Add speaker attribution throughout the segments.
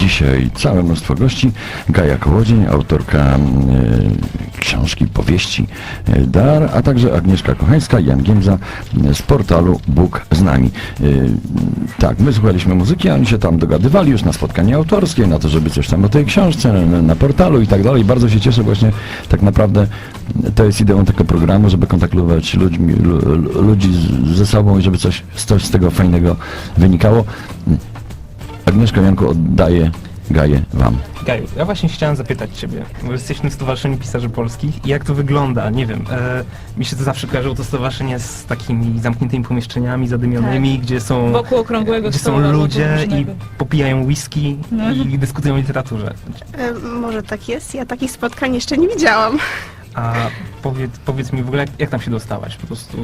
Speaker 1: Dzisiaj całe mnóstwo gości. Gaja Kołodziej, autorka książki, powieści Dar, a także Agnieszka Kochańska i Jan Giemza z portalu Bóg z nami. Tak, my słuchaliśmy muzyki, a oni się tam dogadywali już na spotkanie autorskie, na to, żeby coś tam o tej książce, na portalu i tak dalej. Bardzo się cieszę właśnie, tak naprawdę to jest ideą tego programu, żeby kontaktować ludzi ze sobą i żeby coś z tego fajnego wynikało. Agnieszka, Janku, oddaję Gaję wam.
Speaker 2: Gaju, ja właśnie chciałem zapytać ciebie, bo jesteśmy w Stowarzyszeniu Pisarzy Polskich i jak to wygląda? Nie wiem, mi się to zawsze kojarzyło to stowarzyszenie z takimi zamkniętymi pomieszczeniami zadymionymi,
Speaker 3: Tak.
Speaker 2: gdzie są,
Speaker 3: Wokół okrągłego
Speaker 2: gdzie
Speaker 3: stołu
Speaker 2: są ludzie i
Speaker 3: różnego.
Speaker 2: popijają whisky i dyskutują o literaturze.
Speaker 4: Może tak jest, ja takich spotkań jeszcze nie widziałam.
Speaker 2: A powiedz mi w ogóle, jak tam się dostałaś? Po prostu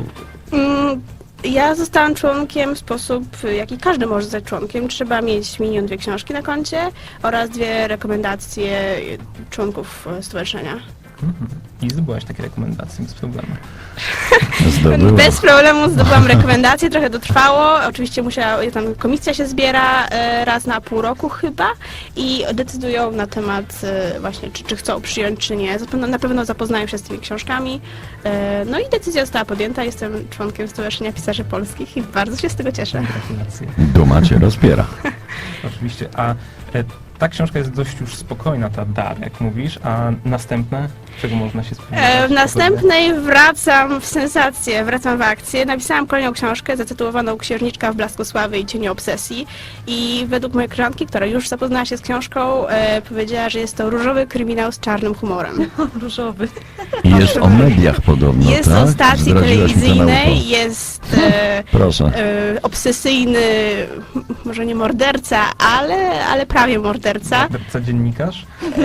Speaker 4: Ja zostałam członkiem w sposób, jaki każdy może zostać członkiem. Trzeba mieć minimum 2 książki na koncie oraz 2 rekomendacje członków stowarzyszenia.
Speaker 2: i zdobyłaś takie rekomendacje bez problemu.
Speaker 1: Zdobyła.
Speaker 4: Bez problemu zdobyłam rekomendacje, trochę to trwało. Oczywiście tam komisja się zbiera raz na pół roku chyba i decydują na temat właśnie, czy chcą przyjąć, czy nie. Na pewno zapoznają się z tymi książkami. No i decyzja została podjęta. Jestem członkiem Stowarzyszenia Pisarzy Polskich i bardzo się z tego cieszę.
Speaker 2: Gratulacje.
Speaker 1: Duma cię rozpiera.
Speaker 2: Oczywiście. A ta książka jest dość już spokojna, ta Dar, jak mówisz, a następne, czego można się spodziewać?
Speaker 4: W następnej wracam w sensację, wracam w akcję. Napisałam kolejną książkę zatytułowaną Księżniczka w blasku sławy i cieniu obsesji. I według mojej koleżanki, która już zapoznała się z książką, powiedziała, że jest to różowy kryminał z czarnym humorem.
Speaker 3: Różowy.
Speaker 1: I jest o mediach podobno,
Speaker 4: Jest
Speaker 1: tak?
Speaker 4: o stacji
Speaker 1: Zdradziłaś mi to na ucho.
Speaker 4: telewizyjnej, jest
Speaker 1: Proszę.
Speaker 4: obsesyjny, może nie morderca, ale prawie morderca.
Speaker 2: Co dziennikarz?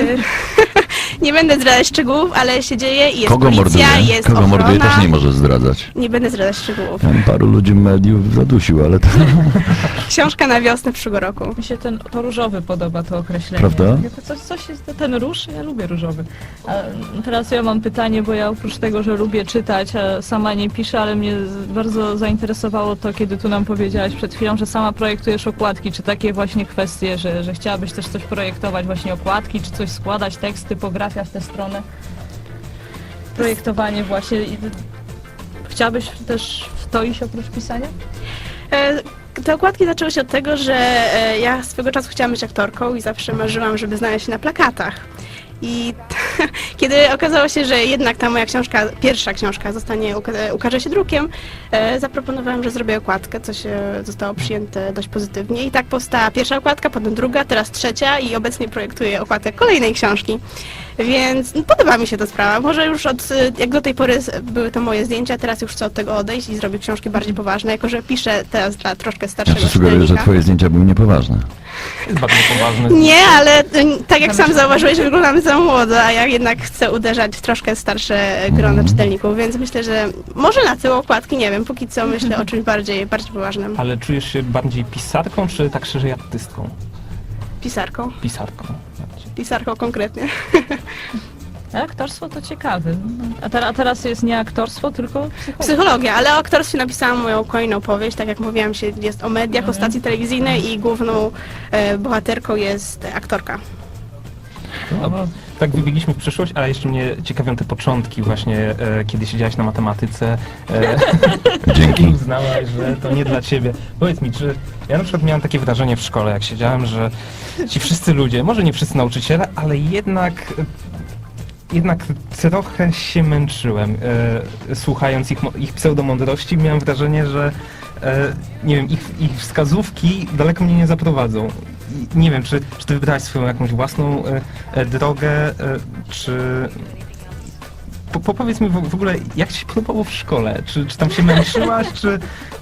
Speaker 4: Nie będę zdradzać szczegółów, ale się dzieje i jest
Speaker 1: Kogo
Speaker 4: policja,
Speaker 1: morduje?
Speaker 4: jest
Speaker 1: Kogo
Speaker 4: ochrona.
Speaker 1: morduje też nie może zdradzać.
Speaker 4: Nie będę zdradzać szczegółów.
Speaker 1: Tam paru ludzi mediów zadusił, ale to...
Speaker 4: Książka na wiosnę przyszłego roku.
Speaker 3: Mi się to różowy podoba, to określenie.
Speaker 1: Prawda?
Speaker 3: Coś jest, ten róż, ja lubię różowy. A teraz ja mam pytanie, bo ja oprócz tego, że lubię czytać, a sama nie piszę, ale mnie bardzo zainteresowało to, kiedy tu nam powiedziałaś przed chwilą, że sama projektujesz okładki, czy takie właśnie kwestie, że chciałabyś też coś projektować, właśnie okładki, czy coś składać, tekst, typografia w tę stronę. Projektowanie właśnie. Chciałabyś też w to iść oprócz pisania?
Speaker 4: Te okładki zaczęły się od tego, że ja swego czasu chciałam być aktorką i zawsze marzyłam, żeby znaleźć się na plakatach. I kiedy okazało się, że jednak ta moja książka, pierwsza książka ukaże się drukiem, zaproponowałam, że zrobię okładkę, co się zostało przyjęte dość pozytywnie. I tak powstała pierwsza okładka, potem druga, teraz trzecia i obecnie projektuję okładkę kolejnej książki. Więc podoba mi się ta sprawa. Może już jak do tej pory były to moje zdjęcia, teraz już chcę od tego odejść i zrobić książki bardziej poważne, jako że piszę teraz dla troszkę
Speaker 1: Ja
Speaker 4: starszego
Speaker 1: ci sugeruję, że
Speaker 4: czytelnika.
Speaker 1: twoje zdjęcia były niepoważne.
Speaker 2: Jest bardzo poważny.
Speaker 4: Nie, ale tak jak sam zauważyłeś, wyglądamy za młodo, a ja jednak chcę uderzać w troszkę starsze grono czytelników, więc myślę, że może na tył okładki, nie wiem, póki co myślę o czymś bardziej poważnym.
Speaker 2: Ale czujesz się bardziej pisarką, czy tak szerzej artystką?
Speaker 4: Pisarką.
Speaker 2: Pisarką. bardziej.
Speaker 4: Pisarką konkretnie.
Speaker 3: A aktorstwo to ciekawe. A teraz jest nie aktorstwo, tylko psychologia.
Speaker 4: Psychologia, ale o aktorstwie napisałam moją kolejną powieść, tak jak mówiłam, jest o mediach, o stacji telewizyjnej i główną bohaterką jest aktorka.
Speaker 2: No, tak wybiegliśmy w przyszłość, ale jeszcze mnie ciekawią te początki właśnie, kiedy siedziałaś na matematyce.
Speaker 1: Dzięki.
Speaker 2: Uznałaś, że to nie dla ciebie. Powiedz mi, czy ja na przykład miałam takie wrażenie w szkole, jak siedziałem, że ci wszyscy ludzie, może nie wszyscy nauczyciele, ale jednak trochę się męczyłem, słuchając ich pseudomądrości. Miałem wrażenie, że nie wiem, ich wskazówki daleko mnie nie zaprowadzą. I nie wiem, czy ty wybrałaś swoją jakąś własną drogę, czy... Powiedz mi w ogóle, jak ci się podobało w szkole? Czy tam się męczyłaś, czy...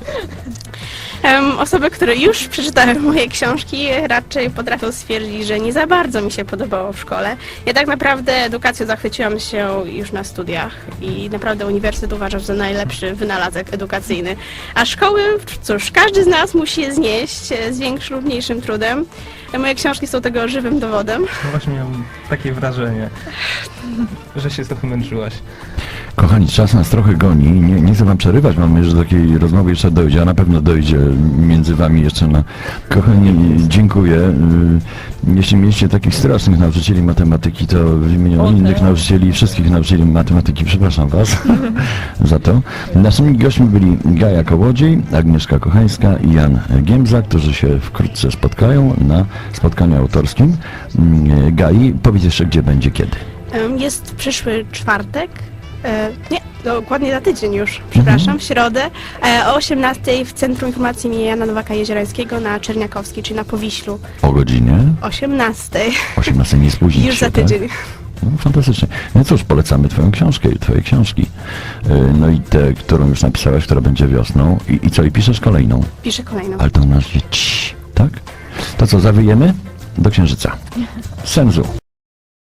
Speaker 4: Osoby, które już przeczytały moje książki, raczej potrafią stwierdzić, że nie za bardzo mi się podobało w szkole. Ja tak naprawdę edukacją zachwyciłam się już na studiach i naprawdę uniwersytet uważam za najlepszy wynalazek edukacyjny. A szkoły, cóż, każdy z nas musi je znieść z większym lub mniejszym trudem. Moje książki są tego żywym dowodem.
Speaker 2: No właśnie miałem takie wrażenie, że się trochę męczyłaś.
Speaker 1: Kochani, czas nas trochę goni. Nie chcę wam przerywać, mam nadzieję, że do takiej rozmowy jeszcze dojdzie, a na pewno dojdzie między wami jeszcze na... Kochani, dziękuję. Jeśli mieliście takich strasznych nauczycieli matematyki, to w imieniu innych nauczycieli, wszystkich nauczycieli matematyki, przepraszam was za to. Naszymi gośćmi byli Gaja Kołodziej, Agnieszka Kochańska i Jan Giemza, którzy się wkrótce spotkają na spotkaniu autorskim. Gai, powiedz jeszcze, gdzie będzie, kiedy.
Speaker 4: Jest przyszły czwartek, nie, dokładnie za tydzień już, przepraszam, w środę, o 18:00 w Centrum Informacji im. Jana Nowaka-Jeziorańskiego na Czerniakowskiej, czyli na Powiślu.
Speaker 1: O godzinie
Speaker 4: 18:00.
Speaker 1: 18 nie spóźnić
Speaker 4: Już
Speaker 1: się,
Speaker 4: za tydzień.
Speaker 1: Tak? No, fantastycznie. No cóż, polecamy twoją książkę i twoje książki. No i tę, którą już napisałaś, która będzie wiosną. I co, i piszesz kolejną?
Speaker 4: Piszę kolejną.
Speaker 1: Ale to nasz tak? To co, zawyjemy? Do Księżyca. Senzu.